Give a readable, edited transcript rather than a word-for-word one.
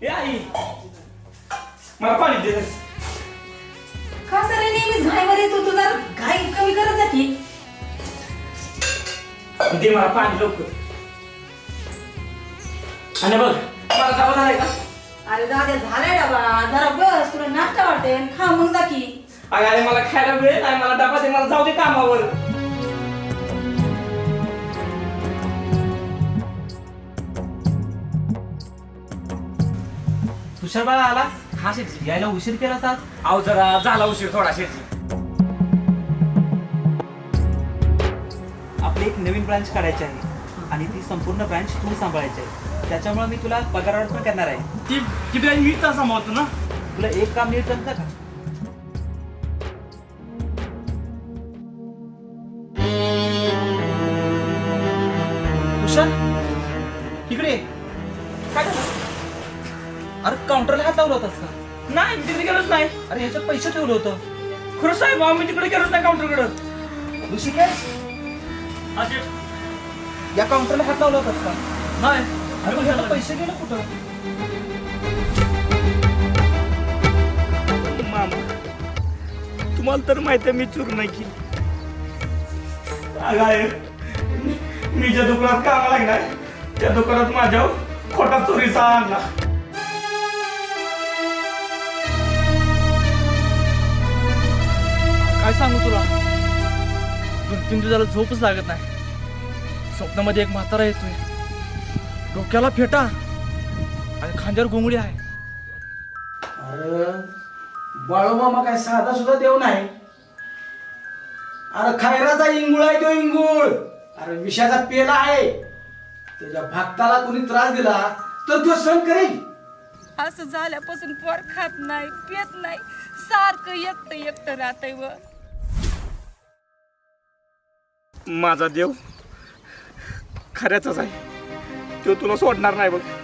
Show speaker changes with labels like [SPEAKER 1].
[SPEAKER 1] ए आई मला पाणी दे.
[SPEAKER 2] का सर नेहमीच घाईमध्ये तू जरा घाई कमी करत जा की.
[SPEAKER 1] दे मला पाणी लवकर. आणि बघ मला डबा झालाय का?
[SPEAKER 2] अरे दादा झालाय डबा. जरा बस तुला नाश्ता वाटते खा मग जा की.
[SPEAKER 1] अरे मला खायला वेळ नाही. मला डबा दे. मला जाऊ दे कामावर.
[SPEAKER 3] तुषार बाळा आला. हा शेटजी यायला उशीर केला सात.
[SPEAKER 1] अहो जरा झाला उशीर थोडा शेती.
[SPEAKER 3] आपली एक नवीन ब्रांच काढायची आहे आणि ती संपूर्ण ब्रांच तू सांभाळायची आहे. त्याच्यामुळे मी तुला पगारावर पण करणार आहे.
[SPEAKER 1] ती बिर्याणी मी तर सांभाळतो ना.
[SPEAKER 3] तुला एक काम नीट जमतं का? तुषार इकडे ये.
[SPEAKER 1] काय झालं?
[SPEAKER 3] अरे काउंटरला हात लावला होतास का?
[SPEAKER 1] नाही मी तिकडे गेलोच नाही.
[SPEAKER 3] अरे ह्याच्यात पैसे ठेवलं होतं.
[SPEAKER 1] खरं साहेब मी तिकडे गेलोच नाही काउंटरकडे.
[SPEAKER 3] ऋषिकेश या काउंटरला हात लावला होतास का?
[SPEAKER 1] नाही.
[SPEAKER 3] अरे पण ह्याला पैसे गेले कुठं?
[SPEAKER 1] मामा तुम्हाला तर माहिती आहे मी चूक नाही केली. मी ज्या दुकानात कामाला लागलाय त्या दुकानात माझ्या खोटा चोरीचा आणला.
[SPEAKER 4] काय सांगू तुला. 2-3 दिवसाला झोपच लागत नाही. स्वप्नामध्ये एक म्हातारा येतोय. डोक्याला फेटा आणि खांद्यावर घोंगडी आहे.
[SPEAKER 5] अरे बाळूमामा काय साधा सुद्धा देव नाही. अरे खैराचा इंगुळ आहे तो इंगुळ. अरे विषाचा पेला आहे. त्याच्या भक्ताला कोणी त्रास दिला तर तो सहन करेल.
[SPEAKER 2] असं झाल्यापासून पोर खात नाही पित नाही सारखं एकटं एकटं राहतंय व.
[SPEAKER 1] माझा देव खऱ्याचाच आहे. तो तुला सोडणार नाही बघ.